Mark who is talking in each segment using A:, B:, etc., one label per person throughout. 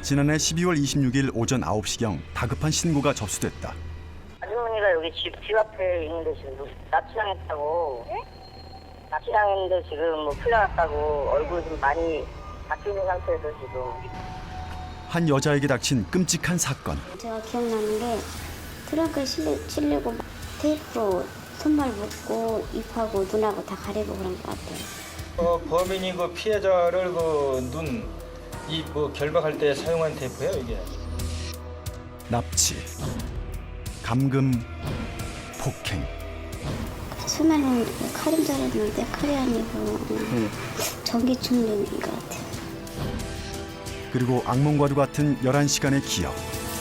A: 지난해 12월 26일 오전 9시경 다급한 신고가 접수됐다.
B: 아주머니가 여기 집 앞에 있는데 지금 납치당했다고. 납치당했는데 지금 뭐 풀려났다고 얼굴 좀 많이 다치는 상태에서 지금.
A: 한 여자에게 닥친 끔찍한 사건.
C: 제가 기억나는 게 트렁크에 실리고 테이프로 손발 묶고 입하고 눈하고 다 가리고 그런 것 같아요.
D: 범인이 그 피해자를 그 눈, 입 뭐 결박할 때 사용한 테이프예요, 이게.
A: 납치, 감금, 폭행.
C: 처음에는 칼인 줄 알았는데 칼이 아니고 전기 충전인 것 같아요.
A: 그리고 악몽과도 같은 11시간의 기억.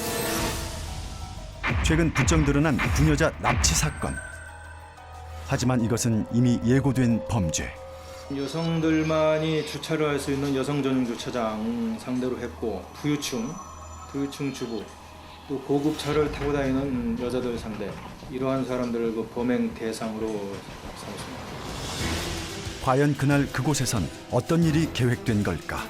A: 최근 부쩍 늘어난 부녀자 납치 사건. 하지만 이것은 이미 예고된 범죄.
D: 여성들만이 주차를 할 수 있는 여성 전용 주차장 상대로 했고 부유층 주부, 또 고급차를 타고 다니는 여자들 상대, 이러한 사람들을 그 범행 대상으로 삼습니다.
A: 과연 그날 그곳에선 어떤 일이 계획된 걸까?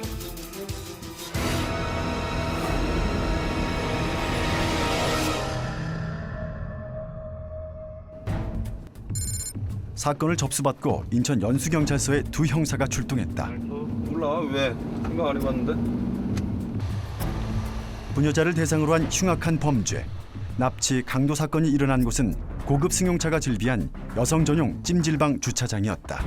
A: 사건을 접수받고 인천 연수경찰서에 두 형사가 출동했다.
E: 몰라, 왜? 생각 안 해봤는데?
A: 부녀자를 대상으로 한 흉악한 범죄. 납치, 강도 사건이 일어난 곳은 고급 승용차가 즐비한 여성 전용 찜질방 주차장이었다.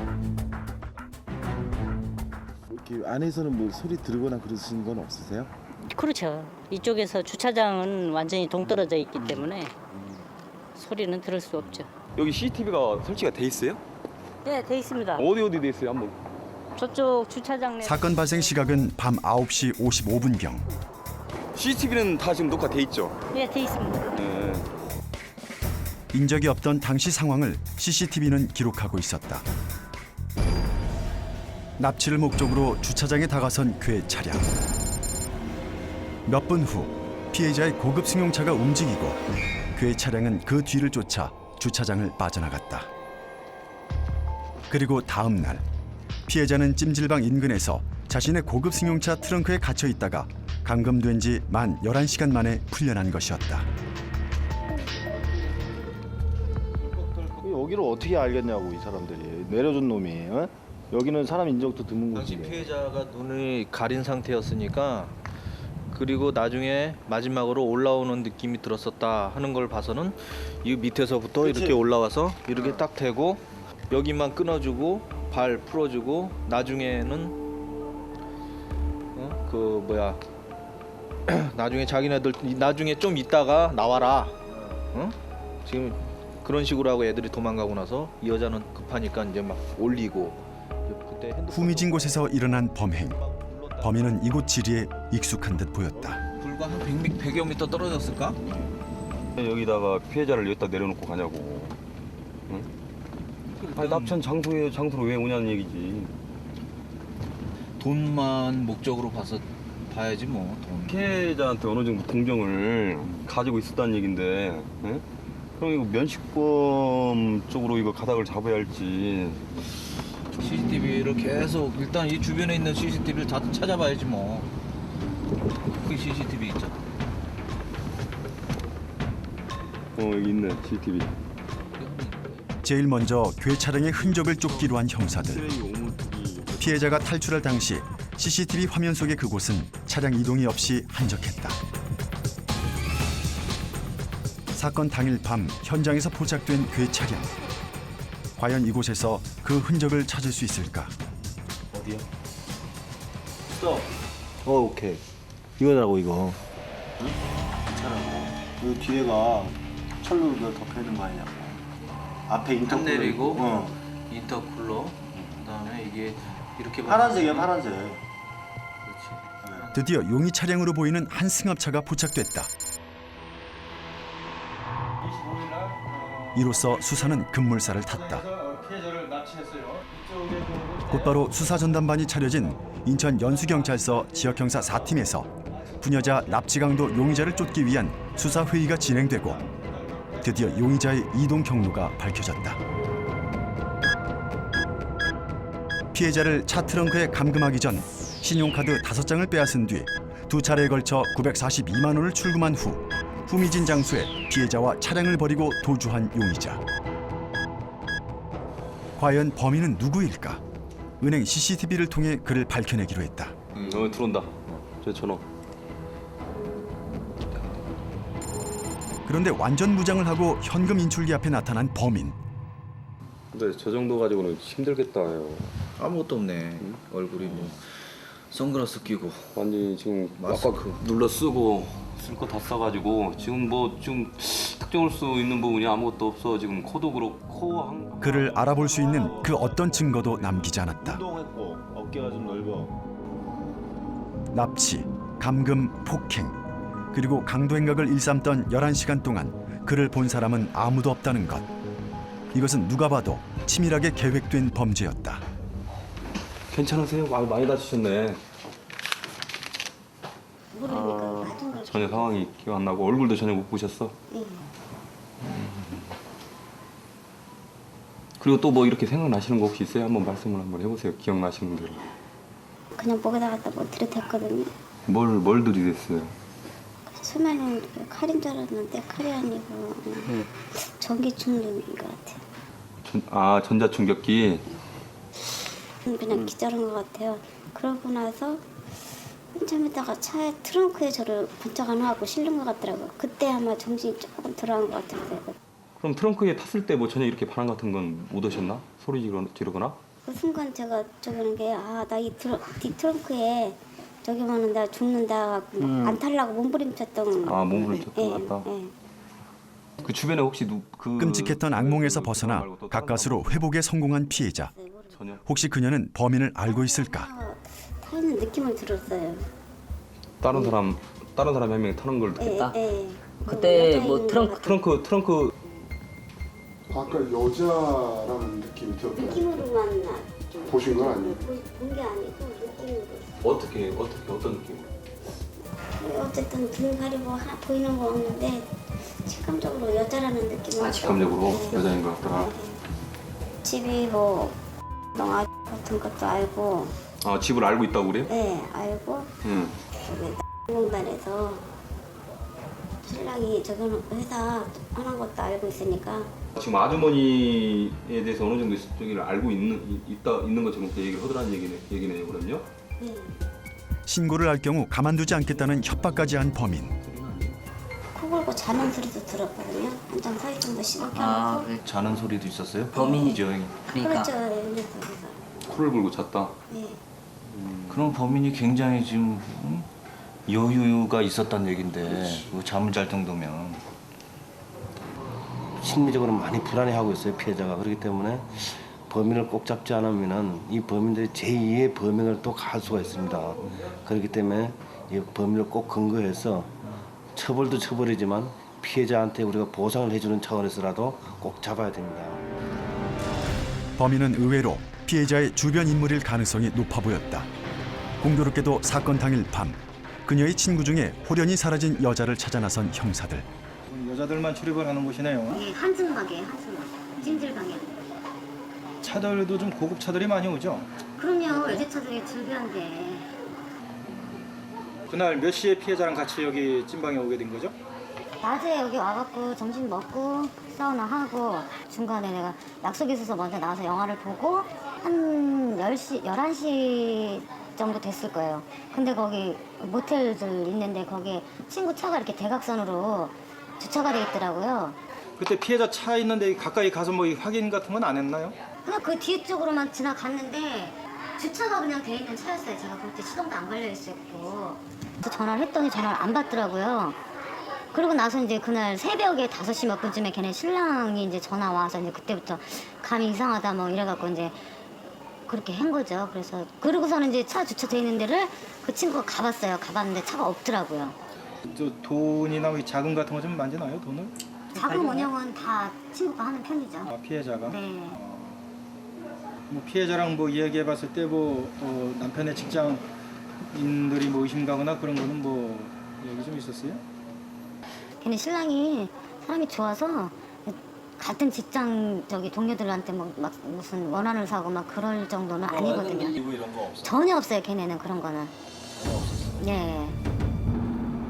F: 이렇게 안에서는 뭐 소리 들으거나 그러시는 건 없으세요?
G: 그렇죠. 이쪽에서 주차장은 완전히 동떨어져 있기 때문에 소리는 들을 수 없죠.
E: 여기 CCTV가 설치가 돼 있어요?
G: 네, 돼 있습니다.
E: 어디 돼 있어요? 한번.
G: 저쪽 주차장 내
A: 사건 발생 시각은 밤 9시 55분경.
E: CCTV는 다 지금 녹화돼 있죠?
G: 네, 돼 있습니다.
E: 네.
A: 인적이 없던 당시 상황을 CCTV는 기록하고 있었다. 납치를 목적으로 주차장에 다가선 그의 차량. 몇 분 후 피해자의 고급 승용차가 움직이고 그의 차량은 그 뒤를 쫓아 주차장을 빠져나갔다. 그리고 다음 날 피해자는 찜질방 인근에서 자신의 고급 승용차 트렁크에 갇혀 있다가 감금된 지 만 11시간 만에 풀려난 것이었다.
F: 여기를 어떻게 알겠냐고 이 사람들이. 내려준 놈이. 어? 여기는 사람 인적도 드문
H: 당시
F: 곳이네.
H: 피해자가 눈을 가린 상태였으니까, 그리고 나중에 마지막으로 올라오는 느낌이 들었었다 하는 걸 봐서는 이 밑에서부터
F: 그치?
H: 이렇게 올라와서 이렇게 딱 대고 여기만 끊어주고 발 풀어주고 나중에는 나중에 자기네들 나중에 좀 있다가 나와라, 지금 그런 식으로 하고 애들이 도망가고 나서 이 여자는 급하니까 이제 막 올리고, 그때
A: 후미진 곳에서 일어난 범행. 범인은 이곳 지리에 익숙한 듯 보였다.
H: 불과 한 100여 미터 떨어졌을까?
E: 여기다가 피해자를 여기다 내려놓고 가냐고. 응? 아니, 납치한 장소로 왜 오냐는 얘기지.
H: 돈만 목적으로 봐야지 뭐. 돈.
E: 피해자한테 어느 정도 동정을 가지고 있었다는 얘긴데, 응? 그럼 이거 면식범 쪽으로 이거 가닥을 잡아야 할지.
H: CCTV를 계속 일단 이 주변에 있는 CCTV를 다 찾아봐야지 뭐. 그 CCTV 있잖아.
E: 여기 있네, CCTV.
A: 제일 먼저 괴 차량의 흔적을 쫓기로 한 형사들. 피해자가 탈출할 당시 CCTV 화면 속의 그곳은 차량 이동이 없이 한적했다. 사건 당일 밤 현장에서 포착된 괴 차량. 과연 이곳에서 그 흔적을 찾을 수 있을까?
F: 어디요? 오케이. 이거라고 이거. 응? 괜찮아. 이 뒤에가 철로 덮여 있는 거 아니냐고. 앞에 인터쿨러
H: 내리고
F: 있고.
H: 인터쿨러, 그다음에 이게 이렇게
F: 파란색이야, 파란색.
H: 그렇지.
A: 드디어 용의 차량으로 보이는 한 승합차가 포착됐다. 이로써 수사는 급물살을 탔다.
D: 피해자를 납치했어요.
A: 곧바로 수사전담반이 차려진 인천 연수경찰서 지역형사 4팀에서 부녀자 납치강도 용의자를 쫓기 위한 수사회의가 진행되고 드디어 용의자의 이동 경로가 밝혀졌다. 피해자를 차 트렁크에 감금하기 전 신용카드 5장을 빼앗은 뒤 두 차례에 걸쳐 942만 원을 출금한 후 후미진 장소에 피해자와 차량을 버리고 도주한 용의자. 과연 범인은 누구일까? 은행 CCTV를 통해 그를 밝혀내기로 했다.
E: 들어온다. 저 전화.
A: 그런데 완전 무장을 하고 현금 인출기 앞에 나타난 범인.
E: 근데 저 정도 가지고는 힘들겠다요.
H: 아무것도 없네. 얼굴이 뭐 선글라스 끼고
E: 완전히 지금
H: 마스크.
E: 아까 눌러 쓰고 쓸 거 다 써가지고 지금 뭐 좀 특정할 수 있는 부분이 아무것도 없어. 지금 코도 그렇고
A: 그를 알아볼 수 있는 그 어떤 증거도 남기지 않았다.
F: 운동했고 어깨가 좀 넓어.
A: 납치, 감금, 폭행, 그리고 강도 행각을 일삼던 11시간 동안 그를 본 사람은 아무도 없다는 것. 이것은 누가 봐도 치밀하게 계획된 범죄였다.
E: 괜찮으세요? 많이 다치셨네.
C: 모르니까 같은 걸.
E: 전혀 상황이 기억 안 나고 얼굴도 전혀 못 보셨어?
C: 예.
E: 그리고 또 뭐 이렇게 생각나시는 거 혹시 있어요? 한번 말씀을 한번 해보세요. 기억나시는 대로.
C: 그냥 목에다 갖다 뭐 들이댔거든요.
E: 뭘 들이댔어요?
C: 처음에는 칼인 줄 알았는데 칼이 아니고 전기 충격인 것 같아요.
E: 전자충격기.
C: 그냥 기절한 것 같아요. 그러고 나서 한참 있다가 차에 트렁크에 저를 번쩍 안 하고 실는 것 같더라고요. 그때 아마 정신이 조금 들어간 것 같았어요.
E: 그럼 트렁크에 탔을 때 뭐 전혀 이렇게 반항 같은 건 못 오셨나? 소리 지르거나?
C: 그 순간 제가 저기 하는 게 나 이 트렁크에 저기 하면 나 죽는다 안 탈라고 몸부림쳤던.
E: 몸부림쳤던 것 같다.
C: 예.
E: 그 주변에 혹시
A: 끔찍했던 악몽에서 벗어나 가까스로 회복에 성공한 피해자.
E: 전혀.
A: 혹시 그녀는 범인을 알고 있을까?
C: 타있는 느낌을 들었어요.
E: 다른 사람 한 명이 타는 걸 느꼈다.
C: 예.
G: 그때 뭐
E: 트렁크
I: 아까 여자라는 느낌이 들었어요.
C: 느낌으로만
I: 보신 건 아니에요?
C: 본 게 아니고 느낌으로.
E: 어떤 느낌?
C: 어쨌든 등 가리고 보이는 거 없는데 직감적으로 여자라는 느낌을.
E: 직감적으로 여자인 것 같더라.
C: 집이 뭐 농아 같은 것도 알고.
E: 집을 알고 있다고 그래요?
C: 네, 알고.
E: 응.
C: 저기 공단에서 신랑이 저기 회사 하는 것도 알고 있으니까.
E: 지금 아주머니에 대해서 어느 정도 저기를 알고 있는 것처럼 얘기를 하더라는 얘기네요, 그럼요?
C: 네.
A: 신고를 할 경우 가만두지 않겠다는 협박까지 한 범인.
C: 코 골고 자는 소리도 들었거든요. 한장 서 있으면 시각해놓고.
H: 자는 소리도 있었어요?
G: 범인이죠.
C: 그렇죠. 연락처에서.
E: 코를 골고 잤다.
C: 네.
H: 그럼 범인이 굉장히 지금 여유가 있었단 얘긴데 잠을 잘 정도면
J: 심리적으로 많이 불안해하고 있어요, 피해자가. 그렇기 때문에 범인을 꼭 잡지 않으면은 이 범인들이 제2의 범행을 또 갈 수가 있습니다. 그렇기 때문에 이 범인을 꼭 근거해서 처벌도 처벌이지만 피해자한테 우리가 보상을 해주는 차원에서라도 꼭 잡아야 됩니다.
A: 범인은 의외로 피해자의 주변 인물일 가능성이 높아 보였다. 공교롭게도 사건 당일 밤 그녀의 친구 중에 홀연히 사라진 여자를 찾아 나선 형사들.
D: 여자들만 출입을 하는 곳이네요.
C: 네, 한숨 가게, 한숨. 찜질방에.
D: 차들도 좀 고급 차들이 많이 오죠.
C: 그럼요, 외제차들이 즐겨한데.
D: 그날 몇 시에 피해자랑 같이 여기 찐방에 오게 된 거죠?
C: 낮에 여기 와갖고 점심 먹고 사우나 하고 중간에 내가 약속이 있어서 먼저 나와서 영화를 보고 한 10시, 11시 정도 됐을 거예요. 근데 거기 모텔들 있는데 거기에 친구 차가 이렇게 대각선으로 주차가 돼 있더라고요.
D: 그때 피해자 차 있는데 가까이 가서 뭐 확인 같은 건 안 했나요?
C: 그냥 그 뒤에 쪽으로만 지나갔는데 주차가 그냥 돼 있는 차였어요. 제가 그때 시동도 안 걸려 있었고. 전화를 했더니 전화를 안 받더라고요. 그러고 나서 이제 그날 새벽에 5시 몇 분쯤에 걔네 신랑이 이제 전화 와서 이제 그때부터 감이 이상하다 뭐 이래갖고 이제 그렇게 한 거죠. 그래서 그러고서는 이제 차 주차돼 있는 데를 그 친구가 가봤어요. 가봤는데 차가 없더라고요.
D: 저 돈이나 자금 같은 거 좀 만지나요, 돈을?
C: 자금 운영은 다 친구가 하는 편이죠.
D: 피해자가?
C: 네.
D: 뭐 피해자랑 뭐 이야기해봤을 때 뭐 남편의 직장인들이 뭐 의심 가거나 그런 거는 뭐 얘기 좀 있었어요?
C: 걔네 신랑이 사람이 좋아서 같은 직장 동료들한테 막 무슨 원한을 사고 막 그럴 정도는 아니거든요.
F: 이런 거 없어.
C: 전혀 없어요. 걔네는 그런 거는. 전혀 없었어요. 네.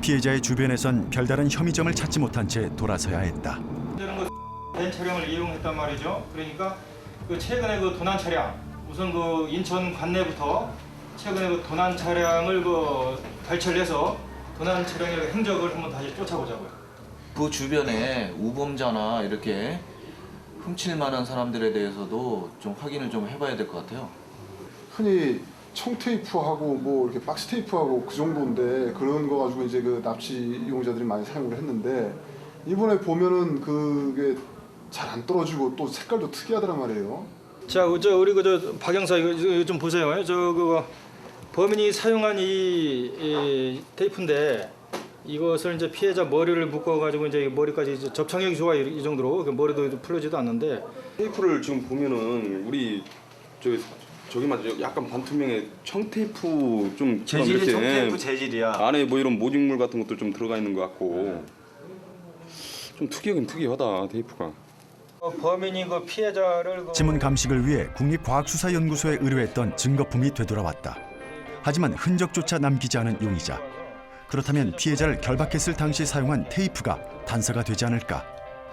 A: 피해자의 주변에선 별다른 혐의점을 찾지 못한 채 돌아서야 했다.
D: 벤 차량을 이용했단 말이죠. 그러니까 그 최근에 그 도난 차량, 우선 그 인천 관내부터 최근에 그 도난 차량을 그 발철해서 도난 차량의 행적을 한번 다시 쫓아보자고요.
H: 그 주변에 우범자나 이렇게 훔칠 만한 사람들에 대해서도 좀 확인을 좀 해봐야 될 것 같아요.
I: 흔히 청테이프하고 뭐 이렇게 박스테이프하고 그 정도인데 그런 거 가지고 이제 그 납치 이용자들이 많이 사용을 했는데 이번에 보면은 그게 잘 안 떨어지고 또 색깔도 특이하더란 말이에요.
D: 자, 우리 박 형사 이거 좀 보세요. 그 범인이 사용한 이 테이프인데 이것을 이제 피해자 머리를 묶어가지고 이제 머리까지 이제 접착력이 좋아 이 정도로 머리도 풀리지도 않는데
E: 테이프를 지금 보면은 우리 저기 맞죠? 약간 반투명의 청테이프 좀
F: 재질이 청테이프 재질이야.
E: 안에 뭐 이런 모직물 같은 것도 좀 들어가 있는 것 같고 좀 특이하긴 특이하다 테이프가.
D: 범인이 그 피해자를
A: 지문 감식을 위해 국립과학수사연구소에 의뢰했던 증거품이 되돌아왔다. 하지만 흔적조차 남기지 않은 용의자. 그렇다면 피해자를 결박했을 당시 사용한 테이프가 단서가 되지 않을까?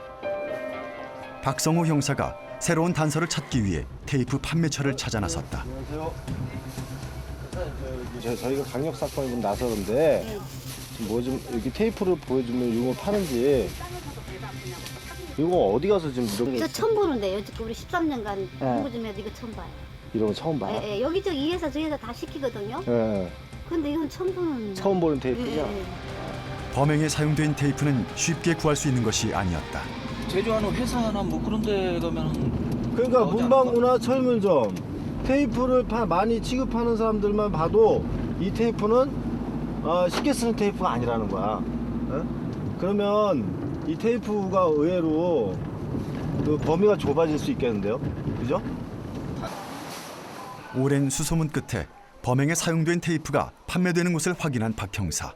A: 박성호 형사가 새로운 단서를 찾기 위해 테이프 판매처를 찾아 나섰다.
J: 안녕하세요. 저희가 강력 사건이 좀 나서는데 뭐 좀 이렇게 테이프를 보여주면 이거 파는지 이거 어디 가서 지금 이런
C: 저 처음 보는데 여태껏 우리 13년간 공부 좀 해도 이거 처음 봐요.
J: 이런 거 처음 봐요?
C: 예, 여기저기 이 회사 저 회사 다 시키거든요.
J: 예.
C: 근데 이건 처음 보는.
J: 처음 보는 테이프죠?
C: 예.
A: 범행에 사용된 테이프는 쉽게 구할 수 있는 것이 아니었다.
H: 제조하는 회사나 뭐 그런 데 가면
J: 그러니까 문방구나 철물점 테이프를 많이 취급하는 사람들만 봐도 이 테이프는 쉽게 쓰는 테이프가 아니라는 거야. 그러면 이 테이프가 의외로 그 범위가 좁아질 수 있겠는데요, 그죠?
A: 오랜 수소문 끝에 범행에 사용된 테이프가 판매되는 곳을 확인한 박 형사.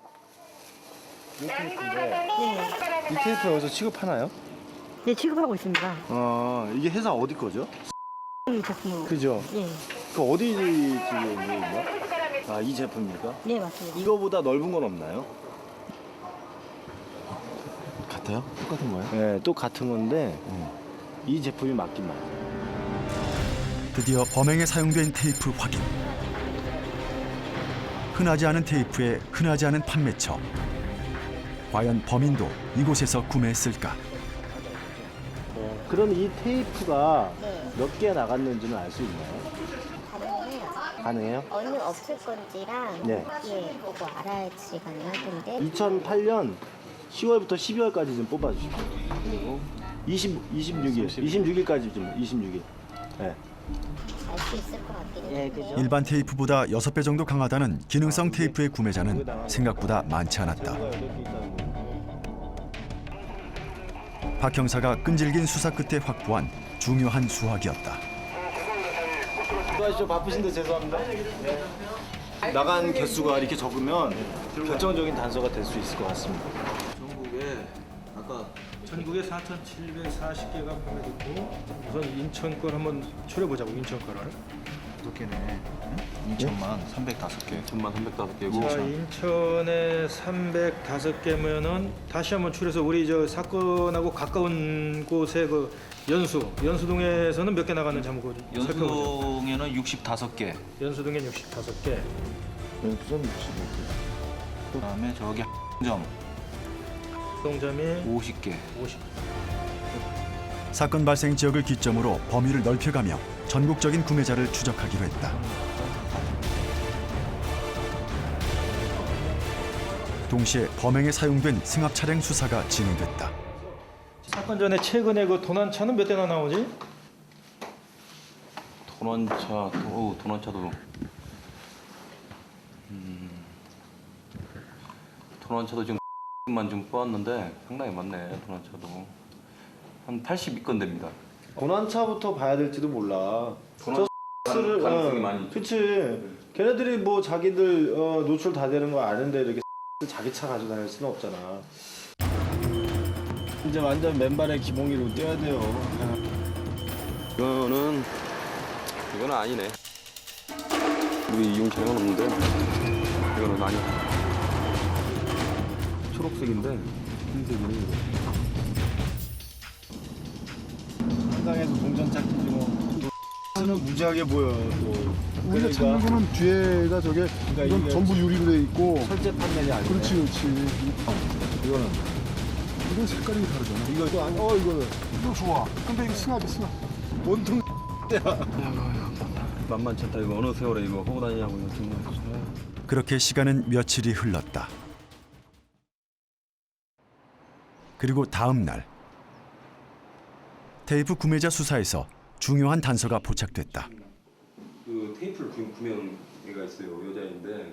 J: 이 테이프인데 이 테이프 여기서 취급하나요?
G: 네, 취급하고 있습니다.
J: 이게 회사 어디 거죠?
G: 제품.
J: 그죠?
G: 네,
J: 그 어디 지역이에요? 이 제품입니까?
G: 네 맞습니다.
J: 이거보다 넓은 건 없나요? 같아요? 똑같은 거예요? 네, 또 같은 건데 이 제품이 맞긴 맞아요.
A: 드디어 범행에 사용된 테이프 확인. 흔하지 않은 테이프에 흔하지 않은 판매처. 과연 범인도 이곳에서 구매했을까?
J: 그럼 이 테이프가 몇 개 나갔는지는 알 수 있나요? 가능해요?
C: 어느 없을 건지랑
J: 네.
C: 예, 보고 알아야지 가능하던데.
J: 2008년 10월부터 12월까지 좀 뽑아주십시오. 그리고 26일까지 좀 26일. 네.
C: 알 수 있을 것 같긴 해요.
J: 예, 그죠?
A: 일반 테이프보다 6배 정도 강하다는 기능성 테이프의 구매자는 생각보다 많지 않았다. 박 형사가 끈질긴 수사 끝에 확보한 중요한 수확이었다.
J: 수고하시죠. 바쁘신데 죄송합니다. 나간 개수가 이렇게 적으면 결정적인 단서가 될 수 있을 것 같습니다.
H: 전국에 아까
D: 전국에 4,740개가 판매됐고 우선 인천 걸 한번 추려보자고 인천 거를.
H: 5개네. 인천만 305개.
E: 천만 305개고.
D: 자, 인천에 305개면은 다시 한번 추려서 우리 저 사건하고 가까운 곳에 그 연수동에서는 몇 개 나갔는지 한번 그거 살펴보죠.
H: 연수동에는 65개.
D: 연수동에 65개.
J: 연수점 65개.
H: 그다음에 저기 점
D: 동점이
H: 50개.
D: 50.
A: 사건 발생 지역을 기점으로 범위를 넓혀가며 전국적인 구매자를 추적하기로 했다. 동시에 범행에 사용된 승합 차량 수사가 진행됐다.
D: 사건 전에 최근에 그 도난차는 몇 대나 나오지?
E: 도난차도 도난차도 지금 만 좀 뽑았는데 상당히 많네. 도난차도 한 82건 됩니다.
J: 고난차부터 봐야 될지도 몰라.
E: 도난 가능성이 많이 있죠.
J: 그치. 걔네들이 뭐 자기들 노출 다 되는 거 아는데 이렇게 자기 차 가지고 다닐 수는 없잖아. 이제 완전 맨발의 기봉이로 뛰어야 돼요.
E: 이거는 아니네. 우리 이용 차량은 없는데 이거는 아니야. 초록색인데 흰색이네 이거.
F: 한강에서 동전 찾기 좀 는 무지하게 보여. 또.
I: 우리가 찾는 거는 뒤에가 저게 이건
F: 이게
I: 전부 유리로 돼 있고.
F: 철제 판넬이 아니고.
I: 그렇지.
F: 이거는
I: 이건 색깔이 다르잖아.
F: 이거 아니 이거는
I: 이거 좋아. 근데 이거 승하지 승하.
F: 온통
E: 만만치 않다 이거. 어느 세월에 이거 하고 다니냐고 이거 정말.
A: 그렇게 시간은 며칠이 흘렀다. 그리고 다음 날 테이프 구매자 수사에서 중요한 단서가 포착됐다.
E: 그 테이프를 구매한 애가 있어요. 여자인데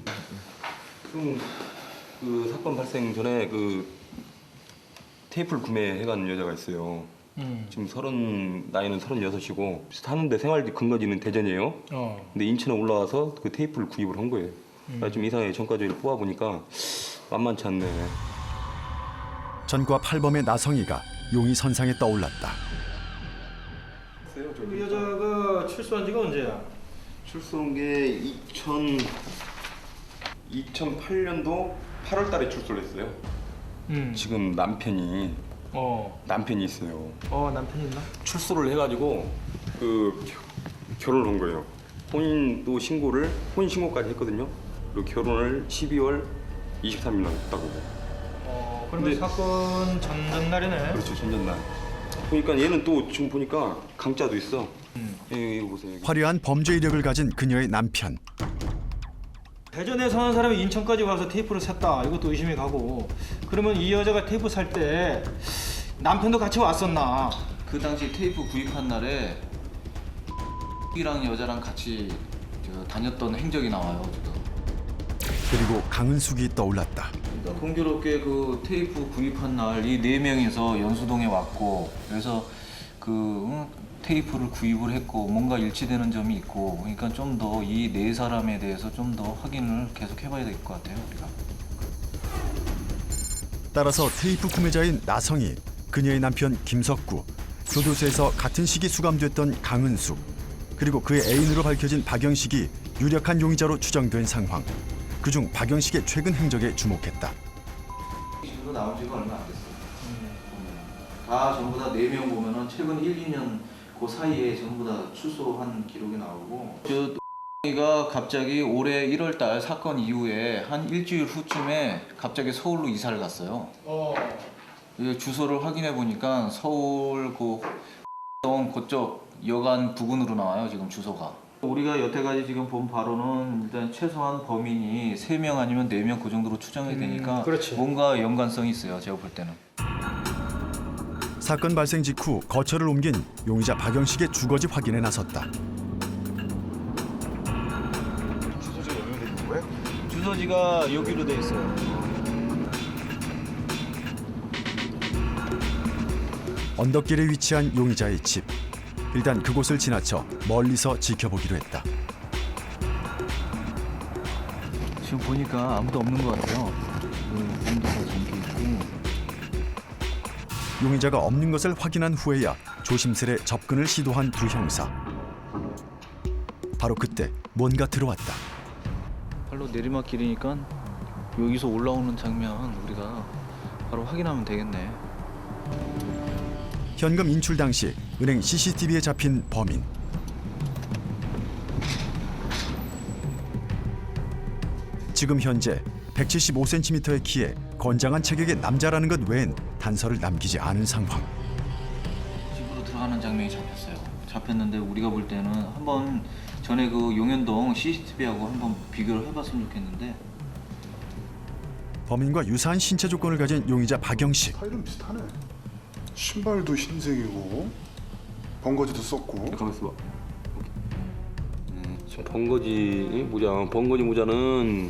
E: 그 사건 발생 전에 그 테이프를 구매해간 여자가 있어요. 지금 나이는 36이고 사는데 생활 근거지는 대전이에요. 근데 인천에 올라와서 그 테이프를 구입을 한 거예요. 나 좀 이상하게 전과자를 뽑아보니까 만만치 않네.
A: 전과 8범의 나성이가 용의 선상에 떠올랐다.
D: 그 여자가 출소한 지가 언제야?
E: 출소한 게 2008년도 8월 달에 출소를 했어요. 지금 남편이 있어요.
D: 남편이 있나?
E: 출소를 해가지고 그 결혼을 한 거예요. 혼인 신고까지 했거든요. 그리고 결혼을 12월 23일 날 했다고.
D: 그러면
E: 근데-
D: 사건 전날이네.
E: 그렇죠, 전전날. 보니까 얘는 또 지금 보니까 강자도 있어. 이거 보세요.
A: 화려한 범죄 이력을 가진 그녀의 남편.
D: 대전에 사는 사람이 인천까지 와서 테이프를 샀다. 이것도 의심이 가고. 그러면 이 여자가 테이프 살 때 남편도 같이 왔었나?
H: 그 당시 테이프 구입한 날에 이랑 여자랑 같이 다녔던 행적이 나와요 지금.
A: 그리고 강은숙이 떠올랐다.
H: 공교롭게 그 테이프 구입한 날 이 4명이서 연수동에 왔고 그래서 그 테이프를 구입을 했고 뭔가 일치되는 점이 있고 그러니까 좀 더 이 4사람에 대해서 좀 더 확인을 계속 해봐야 될 것 같아요 우리가.
A: 따라서 테이프 구매자인 나성이, 그녀의 남편 김석구, 교도소에서 같은 시기 수감됐던 강은숙, 그리고 그의 애인으로 밝혀진 박영식이 유력한 용의자로 추정된 상황. 그중 박영식의 최근 행적에 주목했다.
H: 지금 나온 지가 얼마 안 됐어요. 다 전부 다 4명 보면은 최근 1, 2년 그 사이에 전부 다 출소한 기록이 나오고 가 갑자기 올해 1월 달 사건 이후에 한 일주일 후쯤에 갑자기 서울로 이사를 갔어요. 이 주소를 확인해 보니까 서울 그쪽 여간 부근으로 나와요 지금 주소가. 우리가 여태까지 지금 본 바로는 일단 최소한 범인이 3명 아니면 4명 그 정도로 추정이 되니까
D: 그렇지.
H: 뭔가 연관성이 있어요 제가 볼 때는.
A: 사건 발생 직후 거처를 옮긴 용의자 박영식의 주거지 확인에 나섰다.
F: 주소지가 연결돼 있는 거야?
H: 주소지가 여기로 돼 있어요.
A: 언덕길에 위치한 용의자의 집. 일단 그곳을 지나쳐 멀리서 지켜보기로 했다.
H: 지금 보니까 아무도 없는 것 같아요. 문도 다 잠겨 있고.
A: 용의자가 없는 것을 확인한 후에야 조심스레 접근을 시도한 두 형사. 바로 그때 뭔가 들어왔다.
H: 발로 내리막길이니까 여기서 올라오는 장면 우리가 바로 확인하면 되겠네.
A: 현금 인출 당시 은행 CCTV에 잡힌 범인. 지금 현재 175cm의 키에 건장한 체격의 남자라는 것 외엔 단서를 남기지 않은 상황.
H: 집으로 들어가는 장면이 잡혔어요. 잡혔는데 우리가 볼 때는 한번 전에 그 용현동 CCTV하고 한번 비교를 해봤으면 좋겠는데.
A: 범인과 유사한 신체 조건을 가진 용의자 박영식.
I: 스타일은 비슷하네. 신발도 흰색이고 번거지도 썼고.
E: 가만 있어봐. 번거지 모자는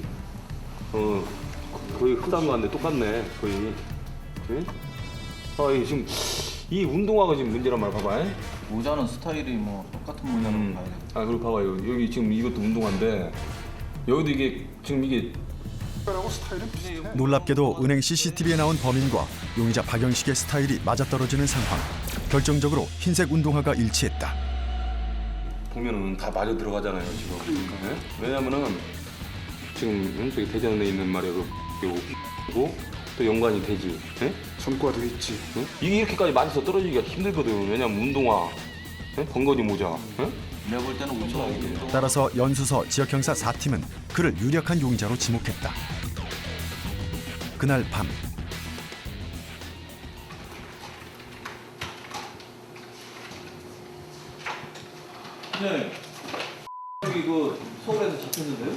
E: 거의 흡사한 거 같네. 똑같네 거의. 네? 이게 지금 이 운동화가 지금 문제란 말 봐봐.
H: 모자는 스타일이 뭐 똑같은 모자라고 봐야 돼.
E: 그리고 봐봐요. 여기 지금 이것도 운동화인데 여기도 이게 지금 이게
I: 하고 스타일은 비슷해.
A: 놀랍게도 은행 CCTV에 나온 범인과 용의자 박영식의 스타일이 맞아떨어지는 상황. 결정적으로 흰색 운동화가 일치했다.
E: 보면은 다 맞아 들어가잖아요 지금. 네? 왜냐면은 지금 저기 대전에 있는 말이야 그 또 연관이 되지. 예?
I: 전과도 있지.
E: 응? 이게 이렇게까지 맞아서 떨어지기가 힘들거든. 왜냐면 운동화, 예? 번거지 모자. 예?
H: 내가 볼 때는 운동
A: 따라서 연수서 지역형사 4팀은 그를 유력한 용의자로 지목했다. 그날 밤
D: 네. 여기 그 서울에서 잡혔는데요?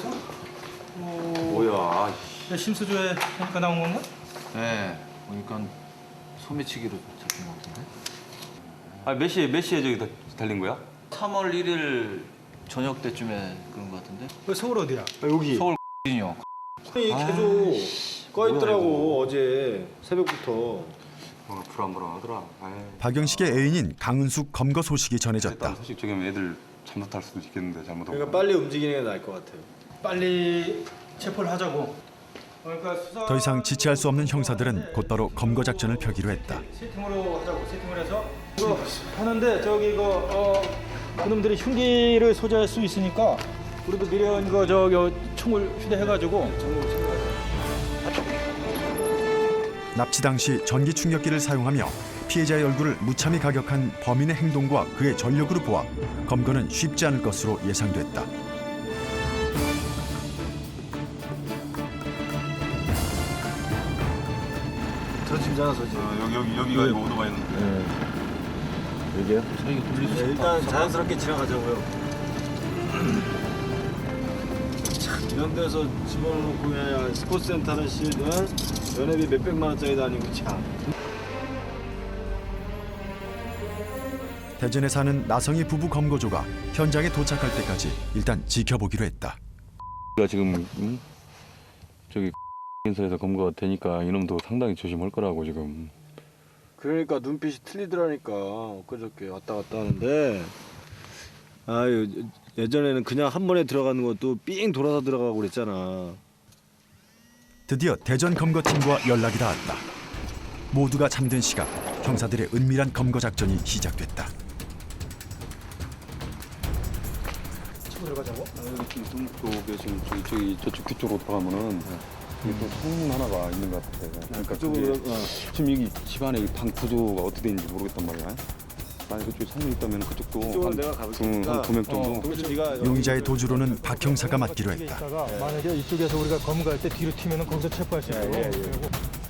E: 뭐야.
D: 심수조에 하니까 나온 건가?
H: 네, 보니까 소매치기로 잡힌 것 같은데.
E: 아, 몇 시에 저기 달린 거야?
H: 3월 1일 저녁 때쯤에 그런 것 같은데.
D: 그 서울 어디야?
F: 여기
H: 서울 이요.
F: 계속 꺼 있더라고 어제 새벽부터.
E: 불안불안하더라.
A: 박영식의 애인인 강은숙 검거 소식이 전해졌다.
E: 일단 소식 저기면 애들 잘못할 수도 있겠는데 잘못하고.
F: 그러니까 빨리 움직이는 게 나을 것 같아요.
D: 빨리 체포를 하자고. 그러니까 수사
A: 더 이상 지체할 수 없는 형사들은 곧바로 검거 작전을 펴기로 했다.
D: 세팅으로 하자고. 세팅을 해서 이거 하는데 저기 이거 그놈들이 흉기를 소지할 수 있으니까 우리도 미련 이거 저기 총을 휴대해가지고
A: 납치 당시 전기 충격기를 사용하며 피해자의 얼굴을 무참히 가격한 범인의 행동과 그의 전력으로 보아 검거는 쉽지 않을 것으로 예상됐다.
F: 저 집잖아 저 집.
E: 여기가 이거 오토바이는.
F: 여기요? 일단 자연스럽게 지나가자고요. 참, 이런 데서 집어넣고 그냥 스포츠센터는 연회비 몇백만 원짜리도 아니고 참.
A: 대전에 사는 나성희 부부 검거조가 현장에 도착할 때까지 일단 지켜보기로 했다.
E: 우리가 지금 저기 인사에서 검거가 되니까 이놈도 상당히 조심할 거라고 지금.
F: 그러니까 눈빛이 틀리더라니까 엊그저께 왔다 갔다 하는데 아유 예전에는 그냥 한 번에 들어가는 것도 삥 돌아서 들어가고 그랬잖아.
A: 드디어 대전 검거팀과 연락이 닿았다. 모두가 잠든 시각 형사들의 은밀한 검거 작전이 시작됐다.
D: 들어가자고.
E: 여기 지금 쪽에 지금 저쪽 뒤쪽으로 들어가면은 여기 또 창문 하나가 있는 것 같아. 그러니까 그게 지금 여기 집안에 이 방 구조가 어떻게 되는지 모르겠단 말이야. 만약 그쪽에 창문이 있다면 그쪽도
F: 그쪽은 내가 가볼 테니까.
E: 한 2명 정도.
F: 그래서 네가
A: 용의자의 도주로는 박 형사가 맡기로 했다.
D: 있다가 만약에 이쪽에서 우리가 검거할 때 뒤로 튀면은 거기서 체포할 수 있도록. 그리고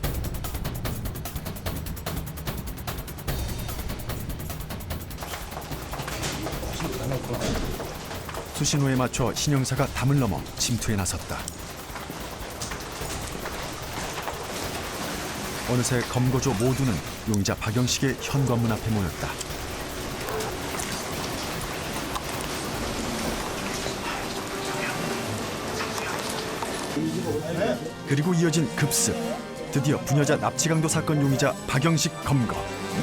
A: 수신호에 맞춰 신형사가 담을 넘어 침투에 나섰다. 어느새 검거조 모두는 용의자 박영식의 현관문 앞에 모였다. 그리고 이어진 급습. 드디어 부녀자 납치강도 사건 용의자 박영식 검거.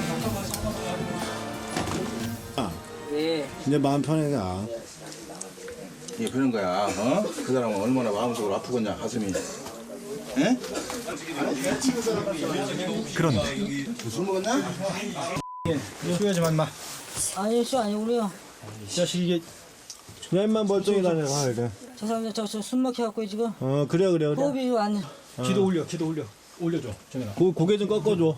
F: 이제 마음 편해가.
K: 예, 그런 거야. 그 사람은 얼마나 마음속으로 아프겠냐, 가슴이. 에?
A: 그런데
K: 술 먹었냐?
D: 쉬어야지 만마.
G: 아니 씨 아니고요.
D: 자식 이게
F: 그냥만 멀쩡히 다녀. 그래.
G: 저 사람들 저술 먹혀갖고 지금
F: 그래.
G: 호흡이 안.
D: 기도 올려줘 정현아.
F: 고개 좀 꺾어줘.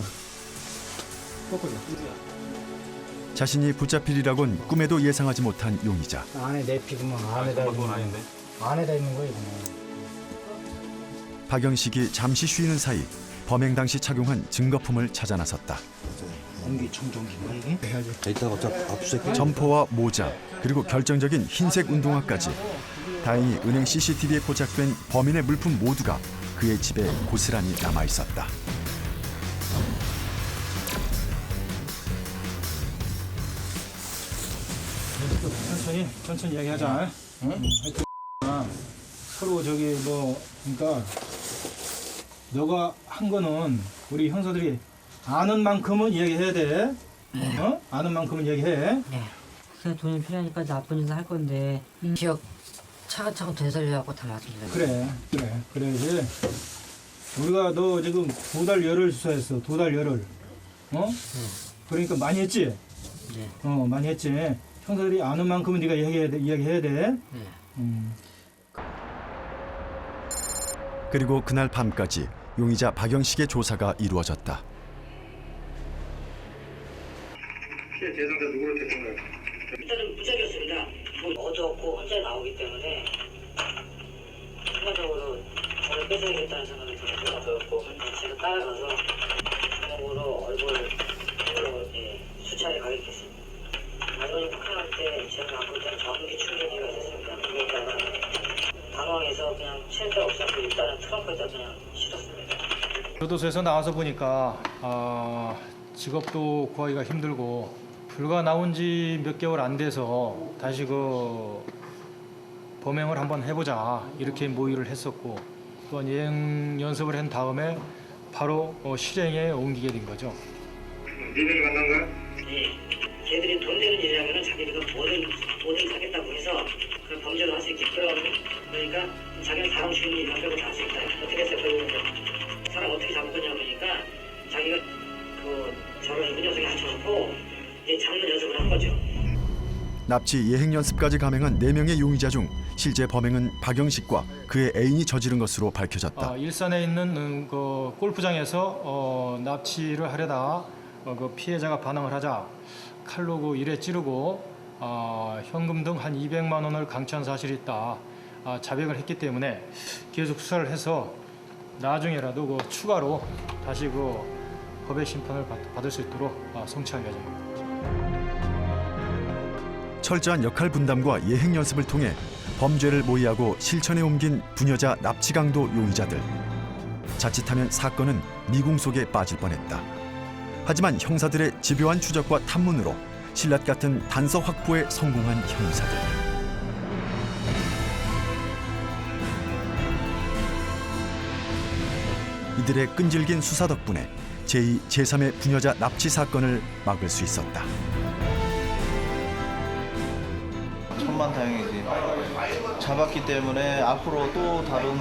D: 꺾어줘.
A: 자신이 붙잡히리라곤 꿈에도 예상하지 못한 용의자.
L: 안에 내 피구만 안에다 있는 거 안에다 있는 거예요. 그냥.
A: 박영식이 잠시 쉬는 사이 범행 당시 착용한 증거품을 찾아 나섰다.
L: 공기청정기인가 이게?
F: 이따가 압수색.
A: 점퍼와 모자 그리고 결정적인 흰색 운동화까지. 다행히 은행 CCTV에 포착된 범인의 물품 모두가 그의 집에 고스란히 남아 있었다.
D: 천천히 이야기하자. 응? 하여튼 서로 저기 뭐 그러니까 너가 한 거는 우리 형사들이 아는 만큼은 이야기해야 돼. 아는 만큼은 이야기해.
M: 네. 그냥 돈이 필요하니까 나쁜 짓을 할 건데 기억 차근차근 되살려갖고 다 말씀드려요.
D: 그래야지. 우리가 너 지금 2달 열흘 수사했어. 2달 열흘. 그러니까 많이 했지.
M: 네.
D: 많이 했지. 형사들이 아는 만큼은 네가 이야기해야 돼.
M: 네.
A: 그리고 그날 밤까지 용의자 박영식의 조사가 이루어졌다.
N: 피해 대상자 누구를 대상자요?
O: 일단은 무작위였습니다. 뭐 어두웠고 혼자 나오기 때문에 순간적으로 저를 뺏어야겠다는 생각이 들었고 제가 따라가서 주먹으로 얼굴을 수차례 가격했습니다. 마지막에 폭행할 때 제가 갖고 있던 전기 충전기가 있었습니다. 그거다가 당황해서 그냥 체인대 없었고 일단은 트렁크에다 그냥 실었습니다.
D: 교도소에서 나와서 보니까 직업도 구하기가 힘들고 불과 나온 지 몇 개월 안 돼서 다시 그 범행을 한번 해보자 이렇게 모의를 했었고 또한 예행 연습을 한 다음에 바로 실행에 옮기게 된 거죠.
N: 니네를 만난 거야?
O: 네. 걔들이 돈 되는 일이라면 자기들이 뭐든 하겠다고 해서 그런 범죄를 할 수 있게끔 그러니까 자기는 사람 죽이는 일만 빼고 다 할 수 있다. 어떻게 해서 그 사람 어떻게 잡을 거냐 그러니까 자기가 저를 그 녀석이 합쳐놓고 이제 잡는 연습을 한 거죠.
A: 납치 예행 연습까지 감행한 4명의 용의자 중 실제 범행은 박영식과 그의 애인이 저지른 것으로 밝혀졌다.
D: 일산에 있는 그 골프장에서 납치를 하려다 그 피해자가 반항을 하자 칼로 그 일에 찌르고 현금 등 한 200만 원을 강취한 사실이 있다. 자백을 했기 때문에 계속 수사를 해서 나중에라도 그 추가로 다시 그 법의 심판을 받을 수 있도록 성취할 예정입니다.
A: 철저한 역할 분담과 예행 연습을 통해 범죄를 모의하고 실천에 옮긴 부녀자 납치 강도 용의자들. 자칫하면 사건은 미궁 속에 빠질 뻔했다. 하지만 형사들의 집요한 추적과 탐문으로 신라 같은 단서 확보에 성공한 형사들. 이들의 끈질긴 수사 덕분에 제2, 제3의 부녀자 납치 사건을 막을 수 있었다.
H: 천만다행이지. 잡았기 때문에 앞으로 또 다른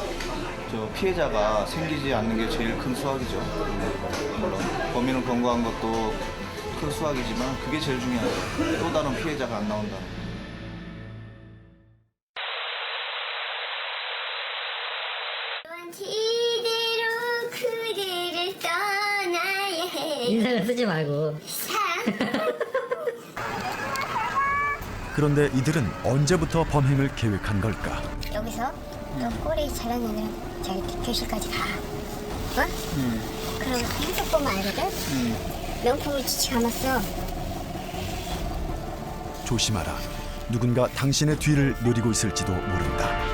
H: 피해자가 생기지 않는 게 제일 큰 수확이죠. 물론 범인을 검거한 것도 큰 수확이지만 그게 제일 중요하죠. 또 다른 피해자가 안 나온다는 거.
M: 인상을 쓰지 말고.
A: 그런데 이들은 언제부터 범행을 계획한 걸까?
C: 여기서 너 꼬리 자랑하는 저기 교실까지 가. 어? 그럼 계속 보면 알거든? 명품을 지치 감았어.
A: 조심하라. 누군가 당신의 뒤를 노리고 있을지도 모른다.